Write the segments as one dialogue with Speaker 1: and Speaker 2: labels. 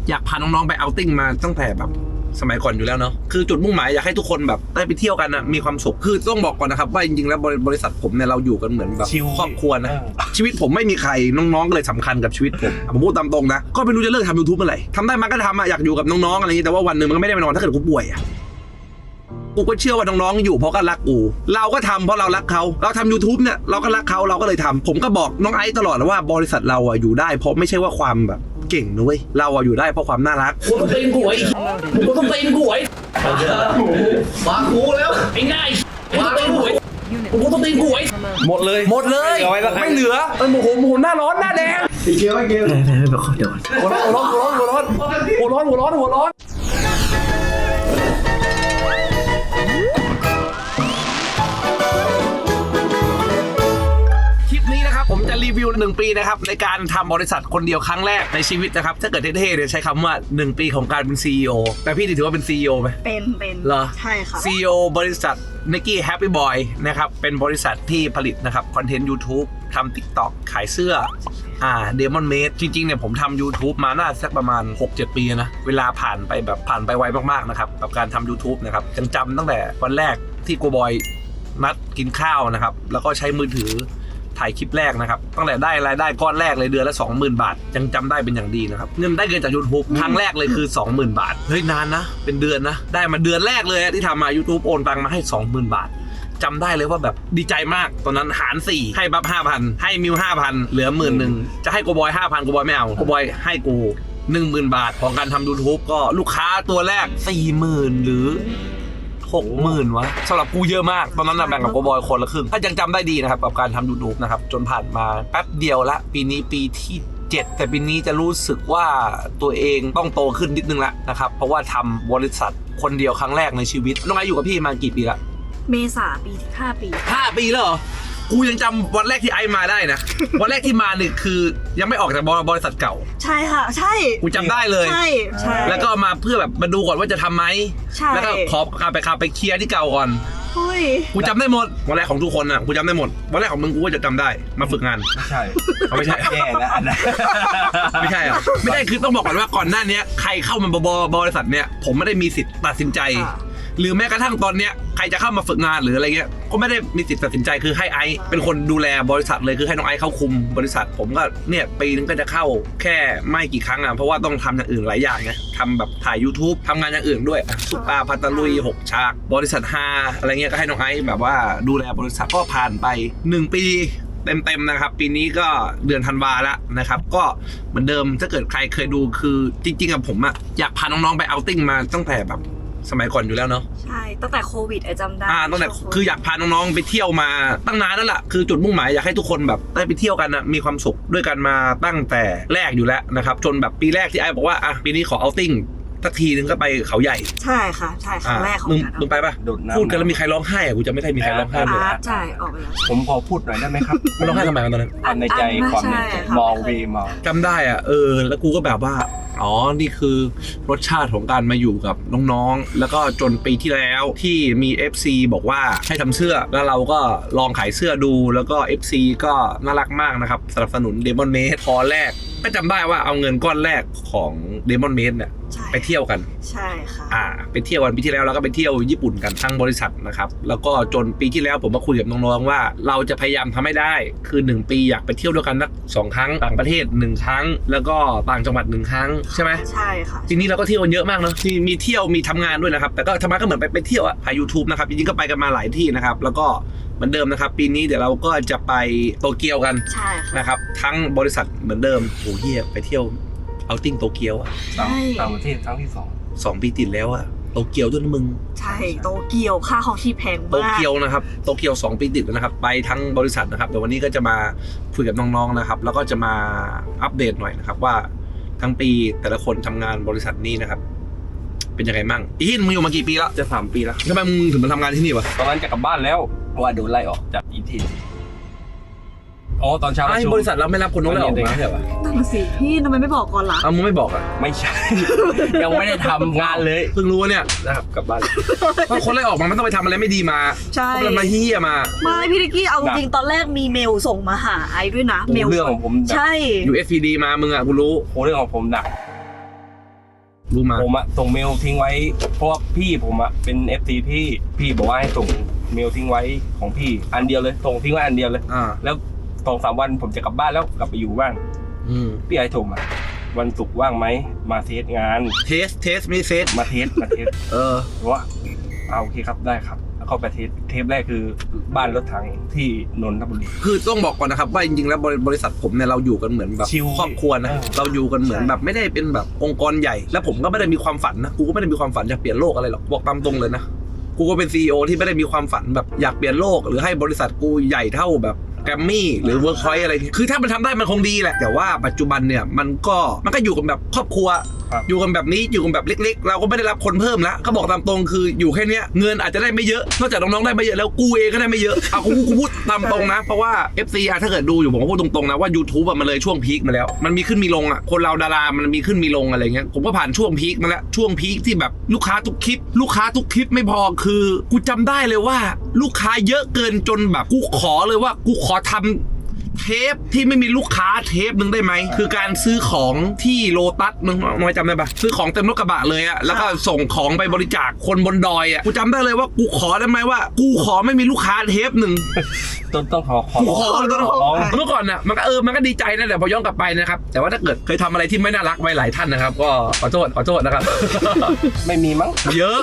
Speaker 1: อยากพาน้องๆไปเอาติ้งมาตั้งแต่แบบสมัยก่อนอยู่แล้วเนาะคือจุดมุ่งหมายอยากให้ทุกคนแบบได้ไปเที่ยวกันนะมีความสุขคือต้องบอกก่อนนะครับว่าจริงๆแล้วบริษัทผมเนี่ยเราอยู่กันเหมือนแบบครอบครัวนะชีวิตผมไม่มีใครน้องๆก็เลยสำคัญกับชีวิตผมพูดตามตรงนะก็ไม่รู้จะเลิกทำ YouTube เมื่อไหร่ทำได้มันก็ทำอะอยากอยู่กับน้องๆอะไรอย่างนี้แต่ว่าวันหนึ่งมันก็ไม่ได้ไปนอนถ้าเกิดกูป่วยอะกูก็เชื่อว่าน้องๆอยู่เพราะก็รักกูเราก็ทำเพราะเรารักเขาเราทำ YouTube เนี่ยเราก็รักเขาเราก็เลยทำผมก็บอกน้องไอซ์ตลอดว่าบริษัทเราอะอยู่ได้เพราะไม่ใช่ว่าความแบบเก่งนุ้ยเราอะอยู่ได้เพราะความน่ารักกูต้องตีนกูไอ้กูต้องตีนกูไอ้มากูแล้วไอ้ง่ายกูต้องตีนกูไอ้กูต้องตีนกูไอ้หมดเลยไม่เหลือโมโหหน้าร้อนหน้าแดงไอ้เกลียวเดี๋ยวหัวร้อนผมจะรีวิว1 ปีนะครับในการทำบริษัทคนเดียวครั้งแรกในชีวิตนะครับถ้าเกิดเท่ๆเนี่ยใช้คำว่า1 ปีของการเป็น CEO แต่พี่ถือว่าเป็น CEO ไหม
Speaker 2: เป็น
Speaker 1: เหรอ
Speaker 2: ใช่ค่ะ
Speaker 1: CEO บริษัท Nike Happy Boy นะครับเป็นบริษัทที่ผลิตนะครับคอนเทนต์ YouTube ทำ TikTok ขายเสื้อDemon Made จริงๆเนี่ยผมทำ YouTube มาน่าสักประมาณ 6-7 ปีนะเวลาผ่านไปไวมากๆนะครับกับการทำ YouTube นะครับยังจำตั้งแต่วันแรกที่กูบอยนัดกินข้าวนะครับแล้วก็ใช้มือถือถ่ายคลิปแรกนะครับตั้งแต่ได้รายได้ก้อนแรกเลยเดือนละ 20,000 บาทยังจำได้เป็นอย่างดีนะครับเงินได้เงินจาก YouTube ครั้งแรกเลยคือ 20,000 บาทเฮ้ยนานนะเป็นเดือนนะได้มาเดือนแรกเลยที่ทำมา YouTube โอนตังมาให้ 20,000 บาทจำได้เลยว่าแบบดีใจมากตอนนั้นหาร4ให้บัฟ 5,000 ให้มิว 5,000 เหลือ 10,000 จะให้โกบอย 5,000 โกบอยไม่เอาโกบอยให้กู 10,000 บาทของการทำ YouTube ก็ลูกค้าตัวแรก 40,000 หรือ60,000 วะสำหรับกูเยอะมากตอนนั้นแบ่งกับโกบอยคนละครึ่งถ้ายังจำได้ดีนะครับกับการทำ YouTube นะครับจนผ่านมาแป๊บเดียวละปีนี้ปีที่7แต่ปีนี้จะรู้สึกว่าตัวเองต้องโตขึ้นนิดนึงละนะครับเพราะว่าทำบริษัทคนเดียวครั้งแรกในชีวิตน้องไออยู่กับพี่มากี่ปีละ
Speaker 2: เมษาปีที่5 ปี
Speaker 1: 5 ปีแล้วเหรอกูยังจำวันแรกที่ไอมาได้นะ วันแรกที่มาเนี่ยคือยังไม่ออกจากบริษัทเก่า
Speaker 2: ใช่ค่ะใช่
Speaker 1: กูจำได้เลย
Speaker 2: ใช่
Speaker 1: แล้วก็มาเพื่อแบบมาดูก่อนว่าจะทำไหมแล้วก็ขอไปเคลียร์ที่เก่าก่อนกูจำได้หมดวันแรกของทุกคนอ่ะกูจำได้หมดวันแรกของมึงกูก็จะจำได้มาฝึกงาน
Speaker 3: ไม่ใช่
Speaker 1: แย่แล้วอันนั้นไม่ใช่อ่ะไม่ได้คือต้องบอกก่อนว่าก่อนหน้านี้ใครเข้ามาบริษัทเนี้ยผมไม่ได้มีสิทธิ์ตัดสินใจหรือแม้กระทั่งตอนเนี้ยใครจะเข้ามาฝึกงานหรืออะไรเงี้ยก็ไม่ได้มีสิทธิ์ตัดสินใจคือให้ไอซ์เป็นคนดูแลบริษัทเลยคือให้น้องไอซ์เข้าคุมบริษัทผมก็เนี่ยปีนึงก็จะเข้าแค่ไม่กี่ครั้งอ่ะเพราะว่าต้องทำอย่างอื่นหลายอย่างไงทำแบบถ่าย YouTube ทำงานอย่างอื่นด้วยซุปตาพัตลุย6 ฉากบริษัท5อะไรเงี้ยก็ให้น้องไอซ์แบบว่าดูแลบริษัทก็ผ่านไป1 ปีเต็มๆนะครับปีนี้ก็เดือนธันวาแล้วนะครับก็เหมือนเดิมถ้าเกิดใครเคยดูคือจริงๆอะผมอะอยากพาน้องๆไปเอาติ้งมาตั้งแต่แบบสมัยก่อนอยู่แล้วเนาะ
Speaker 2: ใช่ตั้งแต่โควิดไอจำได้
Speaker 1: ตั้งแต่คืออยากพาน้องๆไปเที่ยวมาตั้งนานแล้วล่ะคือจุดมุ่งหมายอยากให้ทุกคนแบบได้ไปเที่ยวกันนะมีความสุขด้วยกันมาตั้งแต่แรกอยู่แล้วนะครับจนแบบปีแรกที่ไอ้บอกว่าปีนี้ขอเอาติ้งสักทีนึงก็ไปเขาใหญ่
Speaker 2: ใช่ค่ะใช่ครั้งแรกของ
Speaker 1: มึงไปปะพูดกันแล้วมีใครร้องไห้อะกูจะไม่ได้มีใครร้องไห้เลย
Speaker 2: ใช่ออกไปแล้ว
Speaker 3: ผมขอพูดหน่อยได้ไหมครับ
Speaker 1: มันร้องไห้ทำไมตอนนั้น
Speaker 3: ความในใจความในใจมองวีมอง
Speaker 1: จำได้อ่ะแล้วกูก็แบบว่าอ๋อนี่คือรสชาติของการมาอยู่กับน้องๆแล้วก็จนปีที่แล้วที่มี FC บอกว่าให้ทำเสื้อแล้วเราก็ลองขายเสื้อดูแล้วก็ FC ก็น่ารักมากนะครับสนับสนุน Demon Made พอแรกก็จำได้ว่าเอาเงินก้อนแรกของ Demon Made เนี่ยไปเที่ยวกัน
Speaker 2: ใช่ค่ะ
Speaker 1: ไปเที่ยวกันปีที่แล้วเราก็ไปเที่ยวญี่ปุ่นกันทั้งบริษัทนะครับแล้วก็จนปีที่แล้วผมมาคุยกับน้องๆว่าเราจะพยายามทำให้ได้คือ1 ปีอยากไปเที่ยวด้วยกันสัก2 ครั้งต่างประเทศ1 ครั้งแล้วก็ต่างจังหวัด1 ครั้งใช่ไหม
Speaker 2: ใช่ค่ะ
Speaker 1: ทีนี้เราก็เที่ยวกันเยอะมากเนาะมีเที่ยวมีทำงานด้วยนะครับแต่ก็ทำงานก็เหมือนไปเที่ยวถ่าย YouTube นะครับจริงๆก็ไปกันมาหลายที่นะครับแล้วก็เหมือนเดิมนะครับปีนี้เดี๋ยวเราก็จะไปโตเกียวกัน
Speaker 2: ใช่
Speaker 1: นะครับทั้งบริษัทเหมือนเดิมโอ้เหี้ยไปเที่ยวเอาติ้งโตเกียว
Speaker 3: ต่างประเทศครั้งที่2
Speaker 1: ปีติดแล้วโตเกียวด้วยนะมึง
Speaker 2: ใช่โตเกียวค่าของที่แพงมาก
Speaker 1: โตเกียวนะครับโตเกียว2 ปีติดแล้วนะครับไปทั้งบริษัทนะครับเดี๋ยววันนี้ก็จะมาคุยกับน้องๆนะครับแล้วก็จะมาอัปเดตหน่อยนะครับว่าทั้งปีแต่ละคนทำงานบริษัทนี้นะครับเป็นยังไงมั่งอีนมึงอยู่มากี่ปีแล้ว
Speaker 3: จะ3 ปีแล้ว
Speaker 1: ทำไมมึงถึงมาทำงานที่นี่วะ
Speaker 3: ตอนนั้นจะกลับบ้านแล้วเพราะว่าโดนไล่ออกจากอีทีตอนเช้า
Speaker 1: บริษัทเราไม่รับคนน้องเลยออกมาใช่ปะ
Speaker 2: นั่นสิพี่ทำไมไม่บอกก่อนล่ะ
Speaker 1: มึงไม่บอก
Speaker 3: ไม่ใช่ ยังไม่ได้ทำงานเลย
Speaker 1: เพิ่งรู้เนี่ย
Speaker 3: นะครับกลับบ้าน
Speaker 1: เพราะคนไล่ออกมามันต้องไปทำอะไรไม่ดีมา
Speaker 2: ใช่
Speaker 1: ต้องมาเฮี้ยมา
Speaker 2: ไม่พี่นิกกี้เอาจริงตอนแรกมีเมลส่งมาหาไอด้วยนะเมล
Speaker 3: เรื่องของผม
Speaker 2: ใช่
Speaker 1: USPD มามึงกูรู้
Speaker 3: เรื่องของผมหนัก
Speaker 1: รู้มา
Speaker 3: ผมอะส่งเมลทิ้งไว้เพราะว่าพี่ผมอะเป็น FC พี่บอกว่าให้ส่งเมลทิ้งไว้ของพี่อันเดียวเลยส่งทิ้งไว้อันเดียวเลย แล้ว2-3 วันผมจะกลับบ้านแล้วกลับไปอยู่บ้านพี่ไอ้โทรมาวันศุกร์ว่างไหมมาเทสงาน
Speaker 1: เทสไม่เซต
Speaker 3: มาเทสว่าโอเคครับได้ครับแล้วเข้าไปเทปแรกคือบ้านรถถังที่นนทบุรี
Speaker 1: คือต้องบอกก่อนนะครับว่าจริงๆแล้วบริษัทผมเนี่ยเราอยู่กันเหมือนแบบ
Speaker 3: ชิล
Speaker 1: ครอบครัวนะเราอยู่กันเหมือนแบบไม่ได้เป็นแบบองค์กรใหญ่ แล้วผมก็ไม่ได้มีความฝันนะกูก็ไม่ได้มีความฝันอยากเปลี่ยนโลกอะไรหรอกบอกตามตรงเลยนะกูก็เป็น CEO ที่ไม่ได้มีความฝันแบบอยากเปลี่ยนโลกหรือให้บริษัทกูใหญ่เท่าแบบแกรมมี่หรือเวิร์คพอยต์อะไรคือถ้ามันทำได้มันคงดีแหละแต่ว่าปัจจุบันเนี่ยมันก็อยู่กันแบบครอบครัวอยู่กันแบบนี้อยู่กันแบบเล็กๆเราก็ไม่ได้รับคนเพิ่มแล้วเขาบอกตามตรงคืออยู่แค่เนี้ยเงินอาจจะได้ไม่เยอะนอกจากน้องๆได้ไม่เยอะแล้วกูเองก็ได้ไม่เยอะเอากูพูดตามตรงนะเพราะว่า FC ถ้าเกิดดูอยู่ผมก็พูดตรงๆนะว่า YouTube มันเลยช่วงพีคมาแล้วมันมีขึ้นมีลงคนเราดารามันมีขึ้นมีลงอะไรเงี้ยผมก็ผ่านช่วงพีคมาแล้วช่วงพีคที่แบบลูกค้าทุกคลิปไม่พอคือกูจำได้เลยว่าลูกค้าเยอะเกินจนแบบกูขอเลยว่ากูขอทำเทปที่ไม่มีลูกค้าเทปนึงได้ไหมคือการซื้อของที่โลตัสมึงน้อยจำได้ปะซื้อของเต็มรถกระบะเลยอะแล้วก็ส่งของไปบริจาคคนบนดอยอะกูจำได้เลยว่ากูขอได้ไหมว่ากูขอไม่มีลูกค้าเทปหนึ่ง
Speaker 3: ต้องขอร้อง
Speaker 1: เมื่อก่อนน่ะมันก็ดีใจนะแต่พอย้อนกลับไปนะครับแต่ว่าถ้าเกิดเคยทำอะไรที่ไม่น่ารักไว้หลายท่านนะครับก็ขอโทษนะครับ
Speaker 3: ไม่มีมั้ง
Speaker 1: เยอะ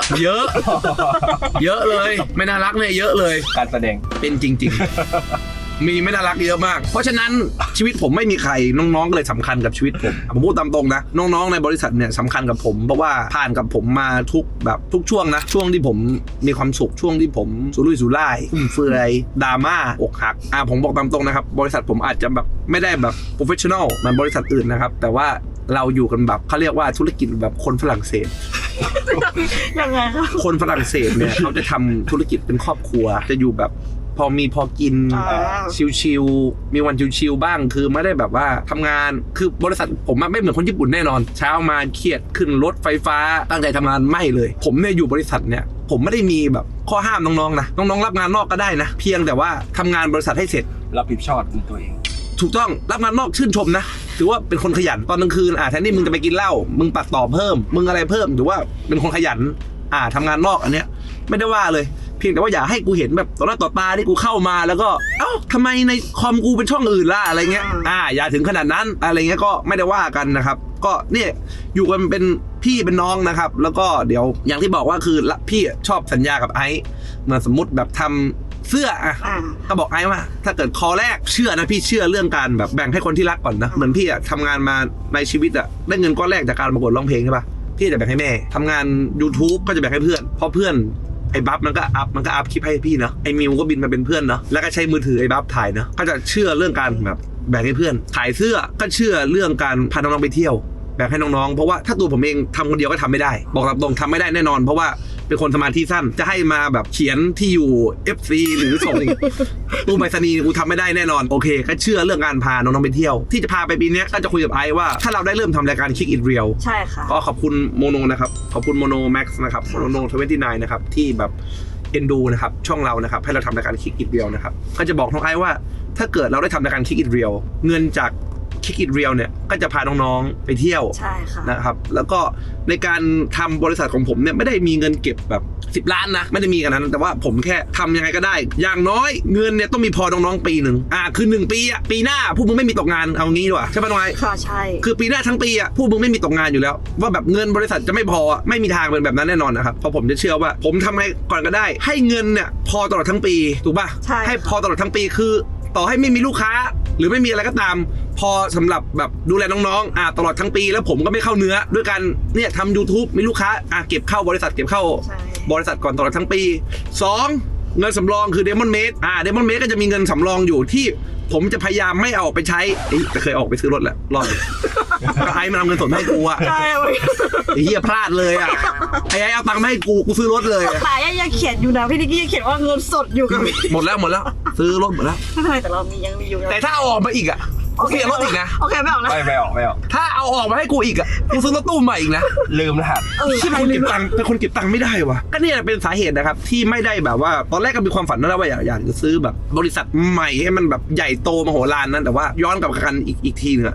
Speaker 1: เลยไม่น่ารักเนี่ยเยอะเลย
Speaker 3: การแสดง
Speaker 1: เป็นจริงๆมีไม่น่ารักเยอะมากเพราะฉะนั้นชีวิตผมไม่มีใครน้องๆก็เลยสำคัญกับชีวิตผมพูดตามตรงนะน้องๆในบริษัทเนี่ยสำคัญกับผมเพราะว่าผ่านกับผมมาทุกช่วงนะช่วงที่ผมมีความสุขช่วงที่ผมสุรุ่ยสุร่ายฟุ่มเฟือยดราม่าอกหักผมบอกตามตรงนะครับบริษัทผมอาจจะแบบไม่ได้แบบโปรเฟชชั่นอลเหมือนบริษัทอื่นนะครับแต่ว่าเราอยู่กันแบบเขาเรียกว่าธุรกิจแบบคนฝรั่งเศส
Speaker 2: ยังไงครับ
Speaker 1: คนฝรั่งเศสเนี่ยเขาจะทำธุรกิจเป็นครอบครัวจะอยู่แบบพอกินชิลๆมีวันชิลๆบ้างคือไม่ได้แบบว่าทำงานคือบริษัทผมไม่เหมือนคนญี่ปุ่นแน่นอนเช้ามาเครียดขึ้นรถไฟฟ้าตั้งใจทำงานไม่เลยผมเนี่ยอยู่บริษัทเนี่ยผมไม่ได้มีแบบข้อห้ามน้องๆนะน้องๆรับงานนอกก็ได้นะเพียงแต่ว่าทำงานบริษัทให้เสร็จ
Speaker 3: รับผิดชอบในตัวเอง
Speaker 1: ถูกต้องรับงานนอกชื่นชมนะถือว่าเป็นคนขยันตอนกลางคืนแทนที่มึงจะไปกินเหล้ามึงตัดต่อเพิ่มมึงอะไรเพิ่มถือว่าเป็นคนขยันทำงานนอกอันเนี้ยไม่ได้ว่าเลยเพียงแต่ว่าอย่าให้กูเห็นแบบต่อหน้าต่อตาที่กูเข้ามาแล้วก็ทำไมในคอมกูเป็นช่องอื่นล่ะอะไรเงี้ยอย่าถึงขนาดนั้นอะไรเงี้ยก็ไม่ได้ว่ากันนะครับก็เนี่ยอยู่กันเป็นพี่เป็นน้องนะครับแล้วก็เดี๋ยวอย่างที่บอกว่าคือพี่ชอบสัญญากับไอซ์เหมือนสมมติแบบทำเสื้อก็บอกไอ้ว่าถ้าเกิดคอแรกเชื่อนะพี่เชื่อเรื่องการแบบแบ่งให้คนที่รักก่อนนะเหมือนพี่ทำงานมาในชีวิตได้เงินก้อนแรกจากการประกวดร้องเพลงใช่ปะพี่จะแบ่งให้แม่ทำงาน YouTube ก็จะแบ่งให้เพื่อนเพราะเพื่อนไอ้บัฟมันก็อัพคลิปให้พี่เนาะไอ้มิวก็บินมาเป็นเพื่อนเนาะแล้วก็ใช้มือถือไอ้บัฟถ่ายเนาะก็จะเชื่อเรื่องการแบบแบ่งให้เพื่อนขายเสื้อก็เชื่อเรื่องการพาน้องๆไปเที่ยวแบ่งให้น้องๆเพราะว่าถ้าตัวผมเองทำคนเดียวก็ทำไม่ได้บอกตรงทำไม่ได้แน่นอนเพราะว่าเป็นคนสมาธิสั้นจะให้มาแบบเขียนที่อยู่ FC หรือส่งตู้ไปรษณีย์กูทำไม่ได้แน่นอนโอเคก็เชื่อเรื่องการพาน้องๆไปเที่ยวที่จะพาไปปีนี้ก็จะคุยกับไอซ์ว่าถ้าเราได้เริ่มทำรายการ Kick It Real
Speaker 2: ใช่ค่ะ
Speaker 1: ก็ขอบคุณโมโนนะครับขอบคุณโมโนแม็กซ์นะครับโมโน29นะครับที่แบบเอ็นดูนะครับช่องเรานะครับให้เราทำรายการ Kick It Real นะครับก็จะบอกน้องไอซ์ว่าถ้าเกิดเราได้ทำรายการ Kick It Real เงินจากKick It Real เนี่ยก็จะพาน้องๆไปเที่ยว
Speaker 2: ใช่ค่ะ
Speaker 1: นะครับแล้วก็ในการทำบริษัทของผมเนี่ยไม่ได้มีเงินเก็บแบบ10 ล้านนะไม่ได้มีกันนั้นแต่ว่าผมแค่ทำยังไงก็ได้อย่างน้อยเงินเนี่ยต้องมีพอน้องๆปีหนึ่งคือ1 ปีปีหน้าพวกมึงไม่มีตกงานเอางี้ดีกว่าใช่ป่ะน้อย
Speaker 2: ค่ะใช่
Speaker 1: คือปีหน้าทั้งปีพวกมึงไม่มีตกงานอยู่แล้วว่าแบบเงินบริษัทจะไม่พอไม่มีทางเป็นแบบนั้นแน่นอนนะครับเพราะผมจะเชื่อว่าผมทำไงก่อนก็ได้ให้เงินเนี่ยพอตลอดทั้งปีถูกป่ะให้พอตลอดทั้งปีคือต่อให้ไม่มีลูกค้าหรือไม่มีอะไรก็ตามพอสำหรับแบบดูแลน้องๆตลอดทั้งปีแล้วผมก็ไม่เข้าเนื้อด้วยกันเนี่ยทำ YouTube มีลูกค้าเก็บเข้าบริษัทเก็บเข้าบริษัทก่อนตลอดทั้งปี2เงินสำรองคือ Demon Made Demon Made ก็จะมีเงินสำรองอยู่ที่ผมจะพยายามไม่เอาออกไปใช้แต่เคยออกไปซื้อรถแหละรอบก็ไอ้มันเอาเงินสดให้กู
Speaker 2: ใช่
Speaker 1: ไอ้เหี้ยพลาดเลยไอ้เอาตังค์มาให้กูซื้อรถเลย
Speaker 2: แต่ยังเขียนอยู่นะพี่นิกกี้ยังเขียนว่าเงินสดอยู่กับ
Speaker 1: หมดแล้วซื้อรถหมดแล้ว
Speaker 2: ไม่เป็นไรแต่เรายังมีอยู่
Speaker 1: แต่ถ้าเอาออกมาอีกโอเครถอีกนะ
Speaker 2: โอเคไม่ออกนะ
Speaker 3: ไม่ออก
Speaker 1: ถ้าเอาออกมาให้กูอีกกูซื้อรถตู้ใหม่อีกนะ
Speaker 3: ลืมรหัส
Speaker 1: ที่เป็นคนเก็บตังค์ไม่ได้วะก็เนี่ยเป็นสาเหตุนะครับที่ไม่ได้แบบว่าตอนแรกก็มีความฝันนะว่าอยากจะซื้อแบบบริษัทใหม่ให้มันแบบใหญ่โตมโหฬารนั้นแต่ว่าย้อนกลับกันอีกทีนึง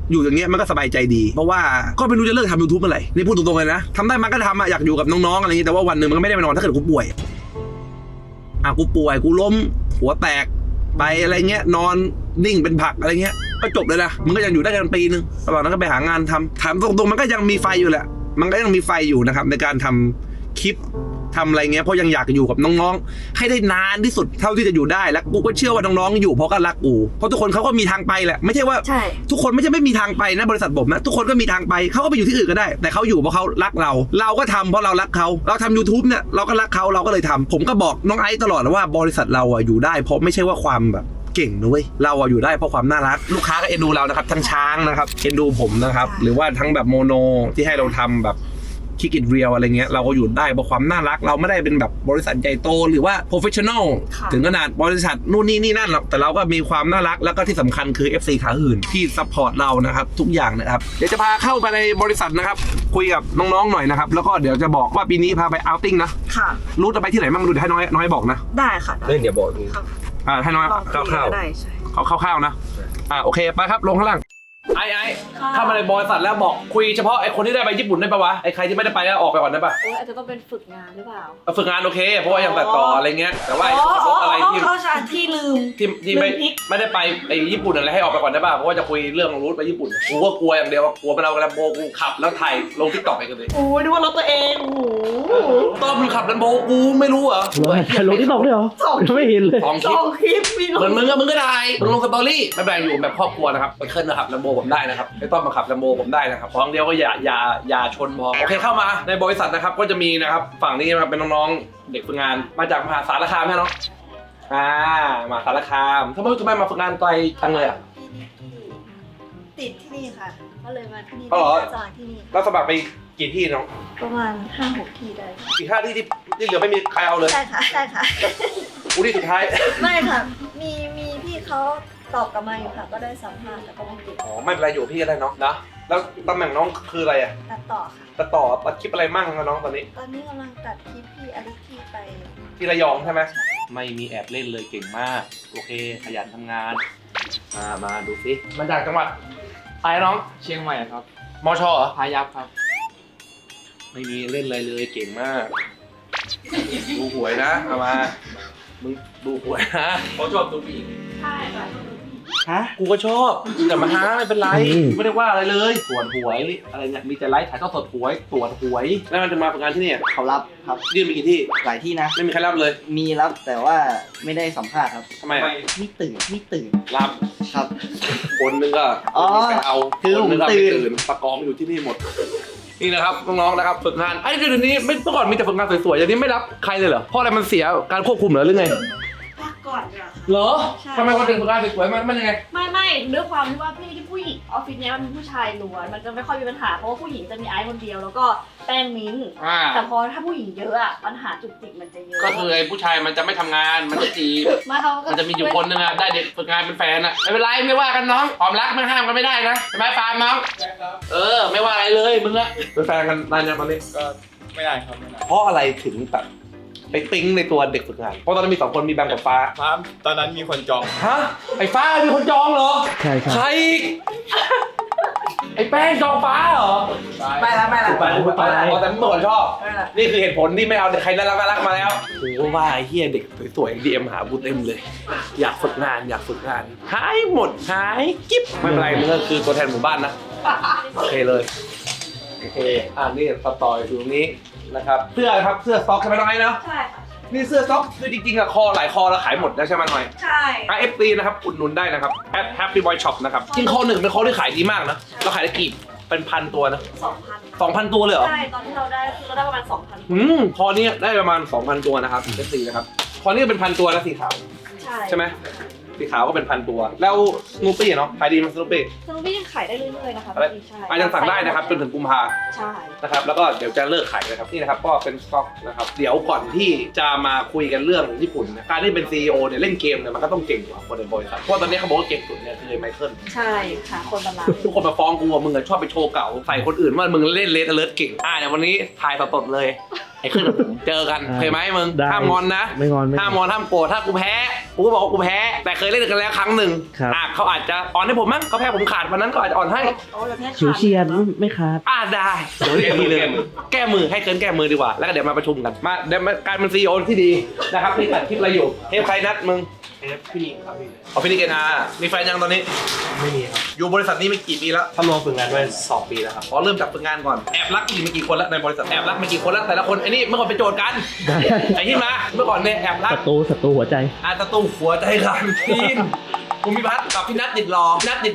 Speaker 1: อยู่อย่างเงี้ยมันก็สบายใจดีเพราะว่าก็ไม่รู้จะเลิกทำ YouTube เมื่อไหร่นี่พูดตรงๆเลยนะทำได้มันก็ทำอะอยากอยู่กับน้องๆอะไรอย่างงี้แต่ว่าวันหนึ่งมันก็ไม่ได้ไปนอนถ้าเกิดกูป่วยกูป่วยกูล้มหัวแตกไปอะไรเงี้ยนอนนิ่งเป็นผักอะไรเงี้ยก็จบเลยนะมันก็ยังอยู่ได้กันปีนึงระหว่างนั้นก็ไปหางานทำถามตรงๆมันก็ยังมีไฟอยู่แหละมันก็ยังมีไฟอยู่นะครับในการทำคลิปทำอะไรเงี้ยเพราะยังอยากอยู่กับน้องๆให้ได้นานที่สุดเท่าที่จะอยู่ได้แล้วกูก็เชื่อว่าน้องๆอยู่เพราะก็รักกูเพราะทุกคนเขาก็มีทางไปแหละไม่ใช่ว่า
Speaker 2: ใช่
Speaker 1: ทุกคนไม่ใช่ไม่มีทางไปนะบริษัทผมนะทุกคนก็มีทางไปเขาก็ไปอยู่ที่อื่นก็ได้แต่เขาอยู่เพราะเขารักเราก็ทำเพราะเรารักเขาเราทำ YouTube เนี่ยเราก็รักเขาเราก็เลยทำผมก็บอกน้องไอซ์ตลอดว่าบริษัทเราอะอยู่ได้เพราะไม่ใช่ว่าความแบบเก่งนะเว้ยเราอะอยู่ได้เพราะความน่ารักลูกค้าก็เอ็นดูเรานะครับทั้งช้างนะครับเอ็นดูผมนะครับหรือว่าทั้งแบบโมโนที่ให้เราทำแบบคิกอิทเรียลอะไรเงี้ยเราก็อยู่ได้เพราะความน่ารักเราไม่ได้เป็นแบบบริษัทใหญ่โตหรือว่าโปรเฟชชั่นอลถึงขนาดบริษัทนู่นนี่นั่นหรอกแต่เราก็มีความน่ารักแล้วก็ที่สำคัญคือ FC ขาหื่นที่ซัพพอร์ตเรานะครับทุกอย่างนะครับเดี๋ยวจะพาเข้าไปในบริษัทนะครับคุยกับน้องๆหน่อยนะครับแล้วก็เดี๋ยวจะบอกว่าปีนี้พาไปเอาท์ติ้งนะ
Speaker 2: ค่ะ
Speaker 1: รู้จะไปที่ไหนบ้างดูเดี๋ยวให้น้อยบอกนะ
Speaker 2: ได้ค่ะ
Speaker 3: เรื่องเดี๋ยวบอกนี้
Speaker 2: ครับ
Speaker 1: ให้น้อย
Speaker 2: ลองคุย
Speaker 1: คร่าว
Speaker 2: ก็ได้ใช่
Speaker 1: ๆคร่าวๆนะโอเคไปครับลงข้างล่างไอ้เข้ามาในบริษัทแล้วบอกคุยเฉพาะไอ้คนที่ได้ไปญี่ปุ่นได้ปะวะไอ้ใครที่ไม่ได้ไปก็ออกไปก่อนได้ปะ
Speaker 2: โอ้ยอาจจะต้องเป็นฝึกงานหรือเปล่า
Speaker 1: ฝึกงานโอเคเพราะว่ายังตัดต่ออะไรเงี้ยแต่ว่าไอ้พวกอะไรที่
Speaker 2: เข้าชาที่ลืม
Speaker 1: ที่ไม่ได้ไปไอ้ญี่ปุ่นอะไรให้ออกไปก่อนได้ป่ะเพราะว่าจะคุยเรื่องรูทไปญี่ปุ่นกูก็กลัวอย่างเดียวว่ากลัวมันเอาแลมโบกูขับแล้วถ่ายลงทิกตอกไปกันเลย
Speaker 2: โอ้ยนึกว่ารถตัวเองโอ้โห
Speaker 1: ต้อมมึงขับแลมโบกูไม่รู้เหรอ
Speaker 4: ถ่ายลงที่ตอกด้วยเหรอไม่เห็นเลย
Speaker 1: สองค
Speaker 2: ส
Speaker 1: ลิป
Speaker 2: องคลิปมีล
Speaker 1: เหมือนมึงก็ได้มึงลงสตอรี่ไม่เป็นไรอยู่แบบครอบครัวนะครับไปขึ้นนะครับแลมโบผมได้นะครับไอ้ต้อมมาขับแลมโบผมได้นะครับของเดียวก็อย่าชนพอโอเคเข้ามาในบริษัทนะครับก็จะมีนะครับฝั่งนี้นะครับเป็นน้องๆเด็กฝึกงานมาจากมหาสารคามใช่ไหมน้องมหาสารคามทำไมมาฝึกงานไกลจังเลยอ่ะ
Speaker 2: ติดที่นี่ค่ะ ก็เลยมาที่นี่
Speaker 1: อ๋อเหรอ
Speaker 2: สมัครที่นี่
Speaker 1: แล้วสมัครไปกี่ที่น้อง
Speaker 2: ประมาณ 5-6 ที่ได้
Speaker 1: อีก5ที่ที่เหลือไม่มีใครเอาเลย
Speaker 2: ใช่ค่ะใช่ค่ะ
Speaker 1: กูที่สุดท้าย
Speaker 2: ไม่ค่ะ มีพี่เขาตอบกลับมาอยู่ค่ะ ก็ได้สัมภาษณ์แต่ก็ไม่ติด
Speaker 1: อ๋อไม่เป็นไรอยู่พี่ก็ได้น้องนะแล้วตำแหน่งน้องคืออะไรอ่ะ
Speaker 2: ตัดต่อค่ะ
Speaker 1: ตัดคลิปอะไรมั่งนะน้องตอนนี้
Speaker 2: ตอนนี้กำลังตัดคลิปพี่อลิคีไป
Speaker 1: ที่ระยองใช่ไหมไม่มีแอบเล่นเลยเก่งมากโอเคขยันทำงานมาดูสิมาจากจังหวัดอะไรน้อง
Speaker 4: เชียงใหม่ครับ
Speaker 1: มชเหรอ
Speaker 4: พายัพครับ
Speaker 1: ไม่มีเล่นอะไรเลยเก่งมากดูหวยนะเอามามึงดูหวยนะเขาชอบดูผู้หญิง
Speaker 2: ใช่ค่ะ
Speaker 4: ฮะ
Speaker 1: กูก็ชอบแต่มาหาไม่เป็นไร
Speaker 4: อืม
Speaker 1: ไม่ได้ว่าอะไรเลยตรวจหวยอะไรเนี่ยมีแต่ไลฟ์ถ่ายทอดสดหวยตรวจหวยแล้วมันจะมาฝึกงานที่นี่
Speaker 5: เขารับครับ
Speaker 1: ยื่นไปกี่ที่
Speaker 5: หลายที่นะ
Speaker 1: ไม่มีใครรับเลย
Speaker 5: มีรับแต่ว่าไม่ได้สัมภาษณ์ครับ
Speaker 1: ทำไมอะ
Speaker 5: ไม่ตื่น
Speaker 1: รับ
Speaker 5: ครับ
Speaker 1: คนนึงก็
Speaker 5: อ๋อ
Speaker 1: ไปเอา
Speaker 5: คือ
Speaker 1: คนนึงก็
Speaker 5: ผม
Speaker 1: ไม่
Speaker 5: ตื่น
Speaker 1: ตื่นประกองอยู่ที่นี่หมด นี่นะครับน้องๆนะครับฝึกงานไอ้เดี๋ยวนี้ไม่เมื่อก่อนมีแต่ฝึกงานสวยๆอย่างนี้ไม่รับใครเลยเหรอเพราะอะไรมันเสียการควบคุมเหรอหรือไง
Speaker 2: พักก่อนดีกว่าค่ะ
Speaker 1: เหรอ
Speaker 2: ใช่
Speaker 1: ทำไมคนถึงฝึกงานสวยๆมันยังไง
Speaker 2: ไม่ด้วยความที่ว่าพี่ที่ผู้หญิงออฟฟิศเนี้ยมันเป็นผู้ชายล้วนมันจะไม่ค่อยมีปัญหาเพราะว่าผู้หญิงจะมีไอซ์คนเดียวแล้วก็แป้งมิ้นท์แต่พอถ้าผู้หญิงเยอะอะปัญหาจุกจิกมันจะเยอะ
Speaker 1: ก็คือไอ้ผู้ชายมันจะไม่ทำงานมันจะจีบ
Speaker 2: ไเขาก็
Speaker 1: มันจะมีอยู่คนนึงอะได้เด็กฝึกงานเป็นแฟนอะไม่เป็นไรไม่ว่ากันน้องความรักไม่ห้ามกันไม่ได้นะใช่ไหมฟาร์มน้องไม่ว่าอะไรเลยมึงอะเป็นแฟนกันนานยังตอนนี้
Speaker 4: ก็ไม่ได้ครับไม่ได้
Speaker 1: เพราะอะไรถึงแบบไปปิ๊งในตัวเด็กฝึกงานเพราะตอนนั้นมี2คนมีแบงค์กับฟ้า
Speaker 4: ครับตอนนั้นมีคนจอง
Speaker 1: ฮะไอ้ฟ้ามีคนจองเหรอ
Speaker 4: ใช่ครับ
Speaker 1: ใครอีกไอ้แป้งจองฟ้าเหรอ
Speaker 2: ไม่ละ
Speaker 1: อ๋อแต่เมื่อก่อนชอบ นี่คือเหตุผลที่ไม่เอาเด็กใครน่ารักมาแล้วโอ้ว่าไอ้เฮียเด็กสวยๆดีเอ็มหาบูเต็มเลย อยากฝึกงานหายหมดหายกิ๊บไม่เป็นไรมึงก็คือตัวแทนหมู่บ้านนะโอเคเลยโอเคนี่ต่ออยู่ตรงนี้นะครับเสื้อครับเสื้อสต็อกใช่ไหมน้องไอ้เนาะ
Speaker 2: ใช่ค่ะ
Speaker 1: นี่เสื้อสต็อกคือจริงๆอะคอหลายคอเราขายหมดแล้วใช่ไหมน้อย
Speaker 2: ใช่
Speaker 1: FB นะครับอุดหนุนได้นะครับแอป Happy Boy Shop นะครับจริงคอหนึ่งเป็นคอที่ขายดีมากนะเราขายได้กี่เป็นพันตัวนะ
Speaker 2: 2,000
Speaker 1: 2,000 ตัวเลยเหรอ
Speaker 2: ใช่ตอนที่เราได้คือเราได้ประมาณ 2,000
Speaker 1: คอนี้ได้ประมาณ 2,000 ตัวนะครับFB นะครับคอนี้เป็นพันตัวนะสีขาว ใช่ไหมสีขาวก็เป็นพันตัว แล้วสโนปี้เนาะขายดีมั้ยสโนปี้
Speaker 2: สนุกพี่ยังขายได้เรื่อยๆนะคะ
Speaker 1: อะไร
Speaker 2: ใช่
Speaker 1: ยังสั่งได้นะครับจนถึงกุมภา
Speaker 2: ใช่
Speaker 1: นะครับแล้วก็เดี๋ยวจะเลิกขายนะครับนี่นะครับก็เป็นสต็อกนะครับเดี๋ยวก่อนที่จะมาคุยกันเรื่องญี่ปุ่นนะการที่เป็น CEO เนี่ยเล่นเกมเนี่ยมันก็ต้องเก่งกว่าคนในบริษัทเพราะตอนนี้เขาบอกว่าเก่งสุดเนี่ยคือไมเคิล
Speaker 2: ใช่ค่ะคนประมาณ
Speaker 1: ทุกคนมาฟ้องกูว่ามึงอะชอบไปโชว์เก่าใส่คนอื่นว่ามึงเล่นเลสเลิร์เก่งเดี๋ยววันนี้ถ่ายสดๆเลยไอ้ขึ้นกับผมเจอกันเคยไหมมึง
Speaker 6: ได้
Speaker 1: ห้ามงอนนะ
Speaker 6: ไม่งอนไม่งอน
Speaker 1: ห้ามงอนห้ามโกรธถ้ากูแพ้กูก็บอกว่ากูแพ้แต่เคยเล่นกันแล้วครั้งหนึ่ง
Speaker 6: ครับ
Speaker 1: เขาอาจจะอ่อนให้ผมมั้งเขาแพ้ผมขาดวันนั้นก็อาจจะอ่อนให้
Speaker 6: ฉิวเฉียดไม่ขาด
Speaker 1: ได้เดี๋ยวเรียกทีเลยแก้มือให้เคิร์นแก้มือดีกว่าแล้วก็เดี๋ยวมาประชุมกันมาเดี๋ยวการเป็นซีอีโอที่ดีนะครับนี่ตัดคลิปอะไรอยู่เทปใครนัดมึง
Speaker 3: พี่ครับพี่
Speaker 1: เอาพี่นิกเกนามีแฟนยังตอนนี้
Speaker 3: ไม่มีครับ
Speaker 1: อยู่บริษัทนี้มากี่ปีแล้ว
Speaker 3: ทำลงฝึกงานไว้2 ปีแล้วครับ
Speaker 1: อ๋อเริ่มจากฝึกงานก่อนแอบรักกี่กี่คนแล้วในบริษัทแอบรักมากี่คนแล้วแต่ละคนไอ้นี่เมื่อก่อนเป็นโจทย์กัน
Speaker 6: ได้
Speaker 1: ไอ้ที่มาเมื่อก่อนเนี่ยแอบรัก
Speaker 6: ศัตรูหัวใจ
Speaker 1: ตะตูหัวใจกันทีนภูมิพัฒน์กับพี่นัทติดรอ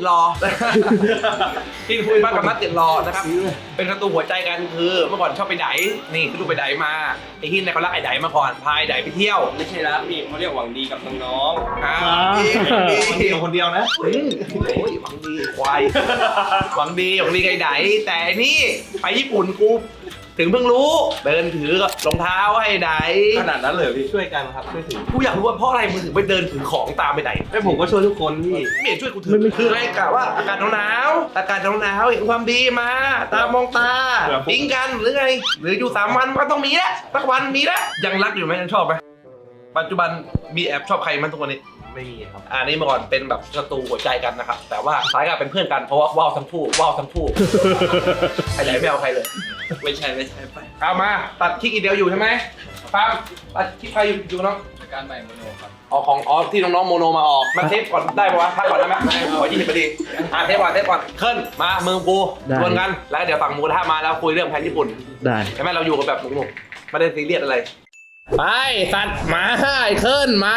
Speaker 1: ที่ภูมิพัฒน์กับนัทติดรอนะครับเป็นศัตรูหัวใจกันคือเมื่อก่อนชอบไปไดนี่คือดูไปไดมาไอ้ที่เนี่ยเขารักไอ้ไดมาก่อนพายไดไปเที่ยว
Speaker 3: ไม่ใช่รักพี่เขาเรียกหวังดีกับน้อง
Speaker 1: ดีคนเดียวนะโอ้ยหวังดีควายหวังดีไอ้ไดแต่นี่ไปญี่ปุ่นกูถึงเพิ่งรู้เดินถือรองเท้าให้ได
Speaker 3: ๆขนาดนั้นเลยพี่ช่วยกันครับช่วยถือ
Speaker 1: กูอยากรู้ว่าเพราะอะไรมึงถึงไปเดินถือของตามไปไหน
Speaker 3: ไม่ผมก็ช่วยทุกคนพี่
Speaker 1: ไม่เห็นช่วยกูถือคือให้กะว่าอากาศหนาวเห็นความดีมา ตามองตาปิ๊งกันหรือไงหรืออยู่3 วันก็ต้องมีแล้วสักวันมีแล้วยังรักอยู่ไหมยังชอบไหมปัจจุบันมีแอบชอบใครมั้ยทุกวันนี้
Speaker 3: ไม่มีครับ
Speaker 1: นี่เมื่อก่อนเป็นแบบศัตรูหัวใจกันนะครับแต่ว่าท้ายก็เป็นเพื่อนกันเพราะว่าว้าวทั้งคู่ใครไหนไม่เอาใครเลย
Speaker 3: ไม่ใช่ไป
Speaker 1: เอามาตัดคลิกอีเดียวอยู่ใช่ไหมฟังตัดคลิกใครอยู่น้อง
Speaker 4: การใหม่โมโนครับ
Speaker 1: ที่น้องๆโมโนมาออกมาเทปก่อนได้ปะวะพักก่อนได้ไหมขอ20 นาทีเทปก่อนขึ้นมาเมืองกู
Speaker 6: ได้
Speaker 1: ดวลกันแล้วเดี๋ยวฝั่งหมูกระทะมาแล้วคุยเรื่องแผนญี่ปุ่น
Speaker 6: ได้
Speaker 1: ใช่ไหมเราอยู่กันแบบหนุกๆไม่ได้ซีเรียสอะไรไปสัตว์มาไอ้ขึ้นมา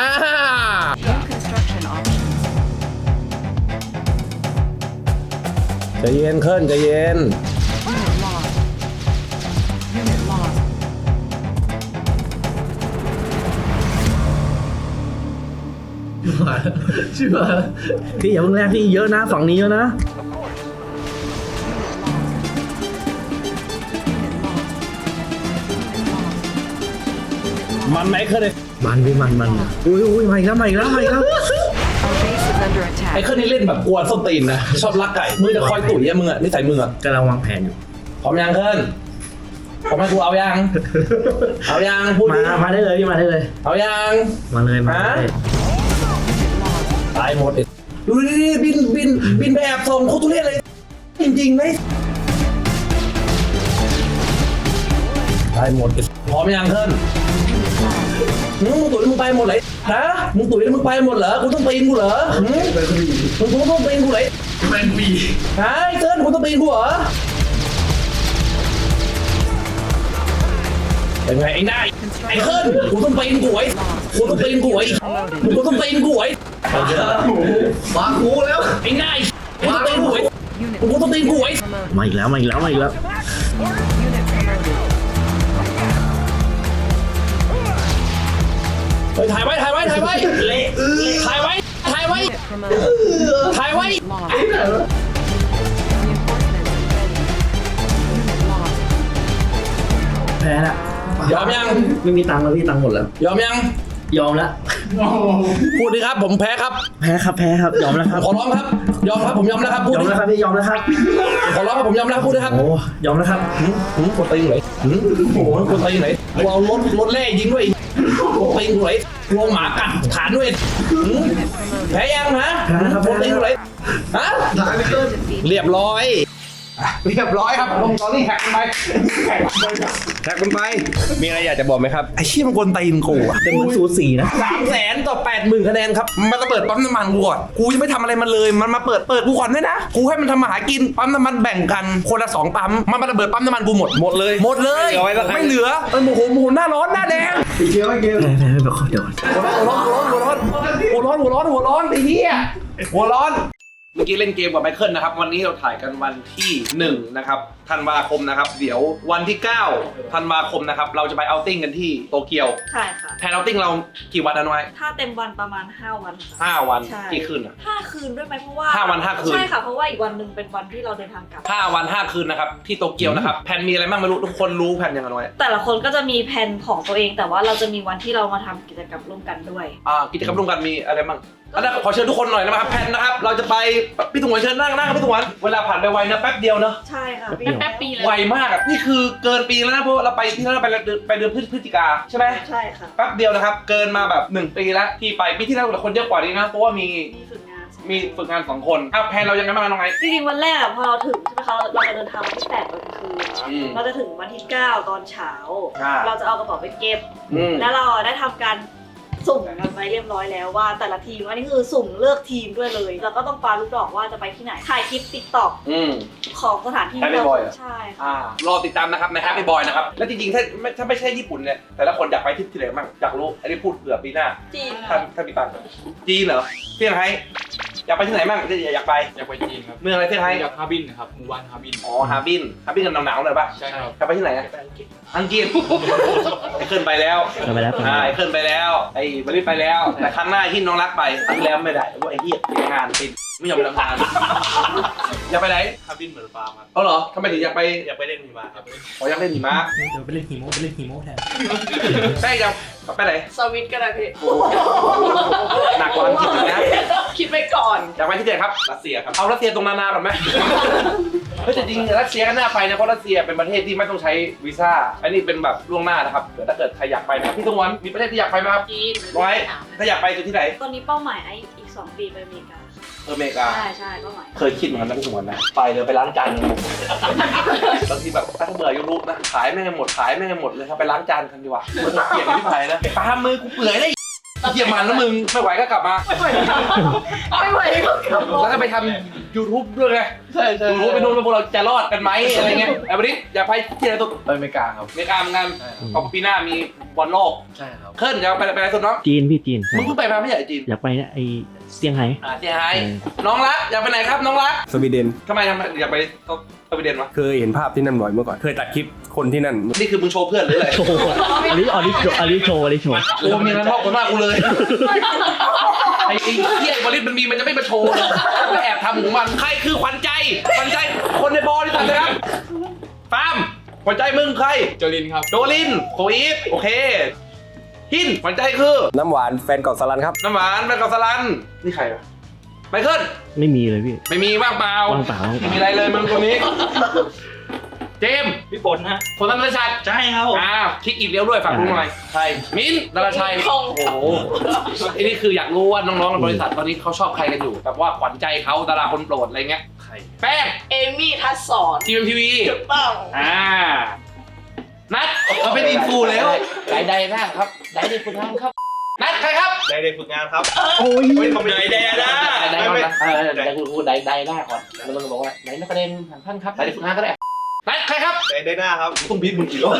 Speaker 1: ใจเย็นขึ้นใจเย็น
Speaker 6: ชื่อพี่อย่าเพิ่งแรกพี่เยอะนะฝั่งนี้เยอะนะ
Speaker 1: มันไหมขึ้นเลย
Speaker 6: มันพี่มันอุ้ยมาอีกแล้ว
Speaker 1: ไอ้ขึ้นนี่เล่นแบบกวนส้นตีนนะชอบลักไก่มือจะคอยตุ๋ยอะมึงอะนิสัยมึงอะ
Speaker 6: กำลังวางแผนอยู่
Speaker 1: พร้อมยังขึ้นพร้อมให้กูเอายังพูดดิ
Speaker 6: มาได้เลยพี่มาได้เลย
Speaker 1: เอายัง
Speaker 6: มาเลย
Speaker 1: ตายหมดดูดิบินไปแอบส่งโคตรทุเรศเลย จริงๆเลยตายหมดพร้อมยังขึ้นมึงตุ๋ยมึงไปหมดเลยนะมึงตุ๋ยมึงไปหมดเหรอกูต้องปีนกูเหรอมึงต้องปีนกูเลยเป็นปีไอ้เกินกูต้องปีนกูเหรอเป็นไงไอ้นายไอ้เคิร์นกูต้องปีนกูไว้กูต้องปีนกูไว้วางกูแล้วไอ้นายกูต้องปีนกูไว้
Speaker 6: มาอีกแล้ว
Speaker 1: เฮ้ยถ่ายไว้เละถ่ายไว้
Speaker 6: แพ้ละ
Speaker 1: ยอมยัง
Speaker 6: ไม่มีตังค์แล้วพี่ตังค์หมดแล้ว
Speaker 1: ยอมยัง
Speaker 6: ยอมแล้ว
Speaker 1: พูดดิครับผมแพ้ครับ
Speaker 6: แพ้ครับยอมแล้วครับ
Speaker 1: ขอร้องครับยอมครับผมยอมแล้วครับพูด
Speaker 6: ยอม
Speaker 1: ดิ
Speaker 6: แล้วครับพี่ยอมแล้วครับ
Speaker 1: ขอร้องครับผมยอมแล้วพูดดิครับ
Speaker 6: โอ้ยอมแล้วครับ
Speaker 1: กดตีอยู่ไหนกดตีอยู่ไหนกูเอารถแร่ยิงด้วยกดตีอยู่ไหนกลัวหมากัดฐานด้วยแพ้ยังนะกดตีอยู่ไหนฮะเรียบร้อยครับลงตอนนี้แฮกกันไป
Speaker 3: มีอะไรอยากจะบอกไหมครับ
Speaker 1: ไอ้เชี่ยมันกวนตีนกูอะ
Speaker 6: แต่เหมือนสูสีนะ
Speaker 1: 300,000 ต่อ 80,000 คะแนนครับมันจะเปิดปั๊มน้ำมันกูก่อนกูยังไม่ทำอะไรมันเลยมันมาเปิดกูก่อนด้วยนะกูให้มันทำมาหากินปั๊มน้ำมันแบ่งกันคนละ2 ปั๊มมันมาระเบิดปั๊มน้ำมันกูหมดเลยไม่เหลือโมโหหน้าร้อนหน้าแดง
Speaker 6: แพ้แบบเดี๋ยว
Speaker 1: หัวร้อนไอ้เหี้ยหัวร้อนเมื่อกี้เล่นเกมกับไมเคิลนะครับวันนี้เราถ่ายกันวันที่1นะครับธันวาคมนะครับเดี๋ยววันที่9ธันวาคมนะครับเราจะไปเอาท์ติ้งกันที่โตเกียว
Speaker 2: ใช่ค่ะ
Speaker 1: แพลนเอาท์ติ้งเรากี่วันน้อย
Speaker 2: ถ้าเต็มวันประมาณ5 วันค่ะ
Speaker 1: 5 วัน
Speaker 2: ใช่
Speaker 1: กี่คืนอ่ะ
Speaker 2: 5 คืนด้วยไหมเพราะว่า
Speaker 1: 5 วัน 5 คืน
Speaker 2: ใช่ค่ะเพราะว่าอีกวันหนึ่งเป็นวันที่เราเดินทางกลับ
Speaker 1: 5 วัน 5 คืนนะครับที่โตเกียวนะครับแผนมีอะไรบ้างไม่รู้ทุกคนรู้แผนยังไงน้อย
Speaker 2: แต่ละคนก็จะมีแผนของตัวเอง แต่ว่าเราจะมีวันที่เรามาทำกิจกรรมร่วมกันด้วย
Speaker 1: กิจกรรมร่วมกันมีอะไรบ้างอันนั้นขอเชิญทุกคนหน่อยนะครับแพนนะครับเราจะไปพี่ถุงวันเชิญนั่งพี่ถุงวันเวลาผ่านไปไวนะแป๊บเดียวเนาะ
Speaker 2: ใช่ค่ะ
Speaker 7: แป๊บปีเลย
Speaker 1: ไวมากอ่ะนี่คือเกินปีแล้วนะเพราะเราไปที่นั่นไปเดือนพฤศจิกาใช่ไหม
Speaker 2: ใช่ค่ะ
Speaker 1: แป๊บเดียวนะครับเกินมาแบบ1 ปีแล้วที่ไปปีที่แล้วคนเยอะกว่านี้นะเพราะว่ามี
Speaker 2: มีฝึกงาน
Speaker 1: 2 คนแพนเรายังไงบ้างน้องไง
Speaker 2: จริงๆวันแรกอะพอเราถึงใช่ไหมคะเราจะเดินทางวันที่8ตอนกลางคืนเราจะถึงวันที่9ตอนเช้าเราจะเอากระเป๋าไปเก็บแล้วเราได้ทำการสุ่มกันไปเรียบร้อยแล้วว่าแต่ละทีมอันนี้คือสุ่มเลือกทีมด้วยเลยแล้วก็ต้องปาลูกดอกว่าจะไปที่ไหนถ่ายคลิปติ๊กต็อกของสถานที่
Speaker 1: Happy Boy เหรอ
Speaker 2: ใช่ค่ะ
Speaker 1: รอติดตามนะครับใน Happy Boy นะครับและจริงๆถ้าไม่ใช่ญี่ปุ่นเนี่ยแต่ละคนอยากไปที่ไหนบ้างอยากรู้อันนี้พูดเผื่อปีหน้า
Speaker 2: จีน
Speaker 1: ถ้ามีตังค์จีนเหรอเซี่ยงไฮ้อยากไปที่ไหนบ้างอยากไป
Speaker 4: อยากไปจีนครับ
Speaker 1: เมืองอะไรเซี่ยงไฮ้
Speaker 4: อยากฮาร์บินครับหมู่บ้านฮาร์บิน
Speaker 1: อ๋อฮาร์บินกันหนาวๆหน่อยป่ะ
Speaker 4: ใช่ครับ
Speaker 1: อยากไปที่ไหนอะอังกฤษไอ้เคิร์นไปแล้ว
Speaker 6: ไปแล้ว
Speaker 1: ไอ้เคิร์นไปแล้วไอ้บริษไปแล้วแต่ครั้งหน้าที่น้องรักไปครั้งที่แล้วไม่ได้เพราะไอ้เหี้ยงานติดไม่ยอมไปทำงานอยากไปไหน
Speaker 4: ฮาร์บินเหมือนฟาร์มครับ
Speaker 1: เอาเหรอทำไมถึงอยากไป
Speaker 4: อยากไปเล่นหิมะครับ
Speaker 1: อ๋ออยากเล่นหิมะ
Speaker 6: เดี๋ยวไปเล่นฮีโม่แทน
Speaker 1: ใช่ยังไปไหน
Speaker 7: สวิตก็ได้พี่
Speaker 1: หนักกว่าอังกฤษอีกนะ
Speaker 7: คิดไปก่อน
Speaker 1: อยากไปที่ไหนครับ
Speaker 4: รัสเซียครับ
Speaker 1: เอารัสเซียตรงนานาก่อนไหม เฮ้ยแต่จริงๆรัสเซียก็น่าไปนะเพราะรัสเซียเป็นประเทศที่ไม่ต้องใช้วีซ่า อันนี้เป็นแบบล่วงหน้านะครับเดี๋ยวถ้าเกิดใครอยากไปนะพี่ตงวันมีประเทศที่อยากไปไหมครับ
Speaker 7: จีน
Speaker 1: ไว้ถ้าอยากไปคือที่ไหน
Speaker 2: ตอนนี้เป้าหมายไอ้อีก2 ปีไปอเมริกา
Speaker 1: อเมริกา
Speaker 2: ใช่เป้าหมาย
Speaker 1: เคยคิดเหมือนกันนะพี่ตงวันนะไปเลยไปล้างจานบางทีแบบถ้าเบื่อยูทูบนะขายแม่งหมดเลยครับไปล้างจานกันดีกว่ามันเกลียดที่ไผ่นะตามมือกูเปื่อยได้เกี่ยมันแล้วมึงไม่ไหวก็กลับมา
Speaker 7: ไม่ไหวก็กลับ
Speaker 1: แล้วก็ไปทำ YouTube ด้วยไง
Speaker 4: ใช่
Speaker 1: รู้ไปดูว่าพวกเราจะรอดกันไหมอะไรเงี้ยไอ้วันนี้อยากไปที่ไหนตัว
Speaker 4: ไปอเมริกาครับ
Speaker 1: อเมริกาเหมือนกันเพราะปีหน้ามีบอลโลก
Speaker 4: ใช่ครับ
Speaker 1: เคิร์นจะไปไหนสุดน้อง
Speaker 6: จีนพี่จีน
Speaker 1: มึงเพิ่งไปมาไม่ใช่จีน
Speaker 6: อยากไปไอเซี่ยงไฮ้
Speaker 1: เซี่ยงไฮ้น้องรักอยากไปไหนครับน้องรัก
Speaker 3: สวีเดน
Speaker 1: ทำไมอยากไปสวีเดนวะ
Speaker 3: เคยเห็นภาพที่นั่นบ่อยเมื่อก่อน เคยตัดคลิปคนที่นั่น
Speaker 1: นี่คือมึงโชว์เพื่อนหรืออะไร
Speaker 6: โชว์อันนี้โชว์
Speaker 1: โอ้มีเงินนอกคนมากกูเลยไอ้เหี้ยบริษมันมีมันจะไม่มาโชว์เลยมันแอบทำของมันใครคือขวัญใจคนในบอลที่ตัดเลยครับฟาร์มขวัญใจมึงใคร
Speaker 4: โจลินครับ
Speaker 1: โดลินโคอีฟโอเคหินขวัญใจคือ
Speaker 3: น้ำหวานแฟนเก่าสลันครับ
Speaker 1: น้ำหวานแมกกาซาลันนี่ใครวะไมเคิล
Speaker 6: ไม่มีเลยพี่
Speaker 1: ไม่มีว่างเปล่า
Speaker 6: ว่างเปล่า
Speaker 1: ไม่มีอะไรเลยมึงตรงนี้ เจมส์
Speaker 4: พี่ฝนฮะ
Speaker 1: ผลธนชัด
Speaker 4: ใช่ครับ
Speaker 1: คิดอีกเลี้ยวด้วยฝากลุงหน่อยใช่มิ้นท์ดาราชัยโอ้โหอันนี้คืออยากรู้ว่าน้องๆในบริษัทตอนนี้เขาชอบใครกันอยู่แบบว่าขวัญใจเขาดาราคนโปรดอะไรเงี้ย
Speaker 4: ใคร
Speaker 1: แป้ง
Speaker 7: เอมี่ทัศสอน
Speaker 1: GMTV
Speaker 7: ถูกต้อง
Speaker 1: นัดเราเป็นอินฟูแล้วใดๆนะครับใดๆคุณทำครับนัดใครครับ
Speaker 4: ได้เด็กฝึกงานครับ
Speaker 6: โอ้ย
Speaker 4: ไม่ทำเลยได้นะ
Speaker 1: ได้ก่อนนะได้กูได้หน้าก่อนแล้วมึงบอกว่าไหนนักเรียนทางท่านครับไหนฝึกงานก็ได้นัดใครครับ
Speaker 4: ได้หน้าครับ
Speaker 1: ต้องบีบมึงกี่รอบ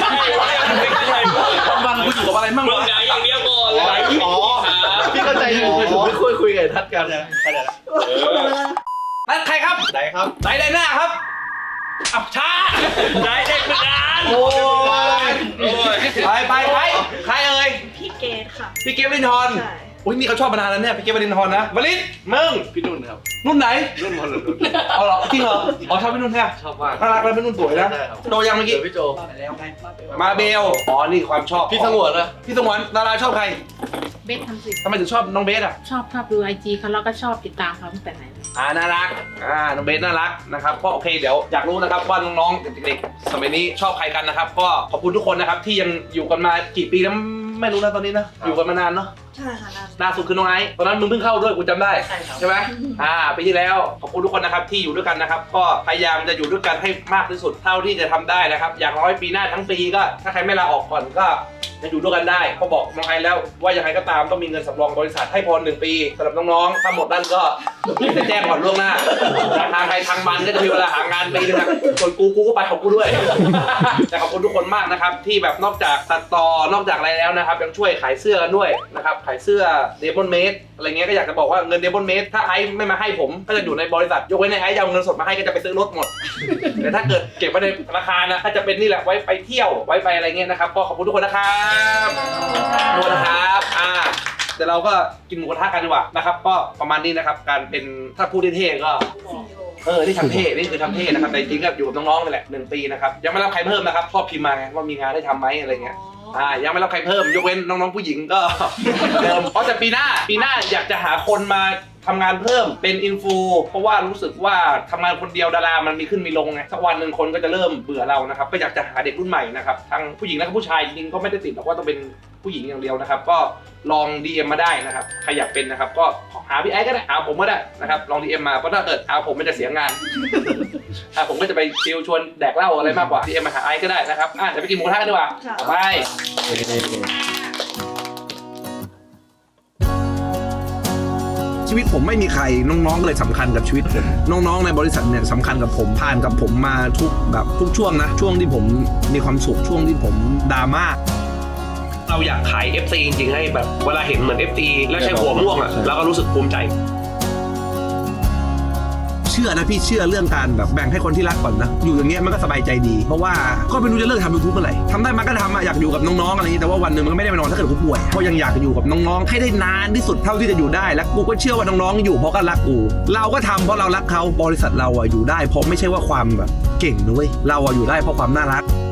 Speaker 1: วันกูอยู่กับอะไรมั่งวะ
Speaker 4: อย่างเดียวก่อนเลยอ๋อพี่เข้าใจอยู่ไม่คุยกับทัดกันนะเข้าใจละ
Speaker 1: นัดใครครับ
Speaker 4: ได้ครับ
Speaker 1: ได้หน้าครับอับช้า
Speaker 4: ได้เด็กฝึกงาน
Speaker 1: โอ้ยไปใครเอ่ย
Speaker 2: พี่เกดค่ะ
Speaker 1: พี่เกฟวรินทร
Speaker 2: ใช่
Speaker 1: อุ้ยนี่เขาชอบมานานแล้วเนี่ยพี่เกฟวรินทรนะวลิศมึง
Speaker 4: พี่นุ่นครับ
Speaker 1: รุ่นไหน
Speaker 4: รุ่นมรดก
Speaker 1: เอาเหรอจริงเหรออ๋อชอบพี่นุ่นแท้
Speaker 4: ชอบมาก
Speaker 1: น่ารักแล้วพี่นุ่นสวยนะ
Speaker 4: ใช่ครับ
Speaker 1: โตยังเมื่อกี้
Speaker 4: พี่โจ
Speaker 1: มาเบลอ๋อนี่ความชอบ
Speaker 4: พี่สงวนนะ
Speaker 1: พี่สงวนดาราชอบใคร
Speaker 7: เบสทำสิ
Speaker 1: ทำไมถึงชอบน้องเบสอ่ะ
Speaker 7: ชอบดูIG เขาแล้วก็ชอบติดตามเขาตั้งแต่ไหนเลย
Speaker 1: น่ารักน้องเบสน่ารักนะครับก็โอเคเดี๋ยวอยากรู้นะครับว่าน้องๆเด็กๆสมัยนี้ชอบใครกันนะครับก็ขอบคุณทุกคนนะครับที่ยังอยู่กันมากี่ปีแล้วไม่รู้นะตอนนี้นะอยู่กันมานานเนาะ
Speaker 2: ใช่ค่ะนั่น
Speaker 1: ล่าสุดคือน้องไอซ์ตอนนั้นมึงเพิ่งเข้าด้วยกูจำได้
Speaker 2: ใช่ครับ
Speaker 1: ใช่ไหมปีที่แล้วขอบคุณทุกคนนะครับที่อยู่ด้วยกันนะครับก็พยายามจะอยู่ด้วยกันให้มากที่สุดเท่าที่จะทำได้นะครับอย่างน้อยปีหน้าทั้งปีก็ถ้าใครไม่ลาออกก่อนก็จะอยู่ด้วยกันได้ก็บอกน้องไอซ์แล้วว่ายังไงก็ตามต้องมีเงินสำรองบริษัทให้พอ1 ปีสำหรับน้องๆถ้าหมดนั่นก็จะแจ้งก่อนล่วงหน้าทางใครทางมันก็จะมีเวลาหางานปีนึงนะส่วนกูก็ไปของกูด้วย แต่ขอบคุณทุกคนมากนะครับที่แบบนอกจากตัดต่อนอกจากอะไรแล้วนะครับยังช่วยขายเสื้อกันด้วยนะครับขายเสื้อเดมอนเมดอะไรเงี้ยก็อยากจะบอกว่าเงินเดมอนเมดถ้าไอซ์ไม่มาให้ผมก็จะอยู่ในบริษัทยกเว้นไอซ์จะเอาเงินสดมาให้ก็จะไปซื้อรถหมด แต่ถ้าเกิดเก็บไว้ในธนาคารนะถ้าจะเป็นนี่แหละไว้ไปเที่ยวไว้ไปอะไรเงี้ยนะครับก็ขอบคุณทุกคนนะครับขอบคุณนะครับเดี๋ยวเราก็กินหมูกระทะกันดีกว่านะครับก็ประมาณนี้นะครับการเป็นถ้าพูดเท่ๆก็นี่ทำเท่นี่คือทำเท่นะครับแต่จริงๆก็อยู่กับน้องๆนี่แหละ1 ปีนะครับยังไม่รับใครเพิ่มนะครับชอบพิมพ์มาไงว่ามีงานได้ทำไหมอะไรเงี้ยยังไม่รับใครเพิ่มยกเว้นน้องๆผู้หญิงก็เดิมเพราะแต่ปีหน้าอยากจะหาคนมาทำงานเพิ่มเป็นอินฟูเพราะว่ารู้สึกว่าทำงานคนเดียวดารามันมีขึ้นมีลงไงสักวันหนึ่งคนก็จะเริ่มเบื่อเรานะครับก็อยากจะหาเด็กรุ่นใหม่นะครับทั้งผู้หญิงและผู้ชายจริงๆก็ไม่ได้ติดหรอกว่าต้องเป็นผู้หญิงอย่างเดียวนะครับก็ลอง DM มาได้นะครับใครอยากเป็นนะครับก็หาพี่ไอ้ก็ได้หาผมก็ได้นะครับลอง DM มาเพราะถ้าเกิดหาผมมันจะเสียงานผมก็จะไปซิลชวนแดกเหล้าอะไรมากกว่า DM มาหาไอ้ก็ได้นะครับเดี๋ยวไปกินหมูกระทะกันดีกว่าไปชีวิตผมไม่มีใครน้องๆก็เลยสำคัญกับชีวิตผมน้องๆในบริษัทเนี่ยสำคัญกับผมผ่านกับผมมาทุกช่วงนะช่วงที่ผมมีความสุขช่วงที่ผมดราม่าเราอยากขาย FC จริงๆให้แบบเวลาเห็นเหมือน FC แล้วใช้หัวม่วงอ่ะเราก็รู้สึกภูมิใจเชื่อนะพี่เชื่อเรื่องการแบบแบ่งให้คนที่รักก่อนนะอยู่อย่างเงี้ยมันก็สบายใจดีเพราะว่าก็ไม่รู้จะเลิกทำ YouTube เมื่อไหร่ทำได้มันก็ทำอยากอยู่กับน้องๆอะไรอย่างนี้แต่ว่าวันหนึ่งมันก็ไม่ได้ไปนอนถ้าเกิดกูป่วยเพราะยังอยากอยู่กับน้องๆให้ได้นานที่สุดเท่าที่จะอยู่ได้และกูก็เชื่อว่าน้องๆอยู่เพราะก็รักกูเราก็ทำเพราะเรารักเขาบริษัทเราอยู่ได้เพราะไม่ใช่ว่าความแบบเก่งนะเว้ยเราอยู่ได้เพราะความน่ารัก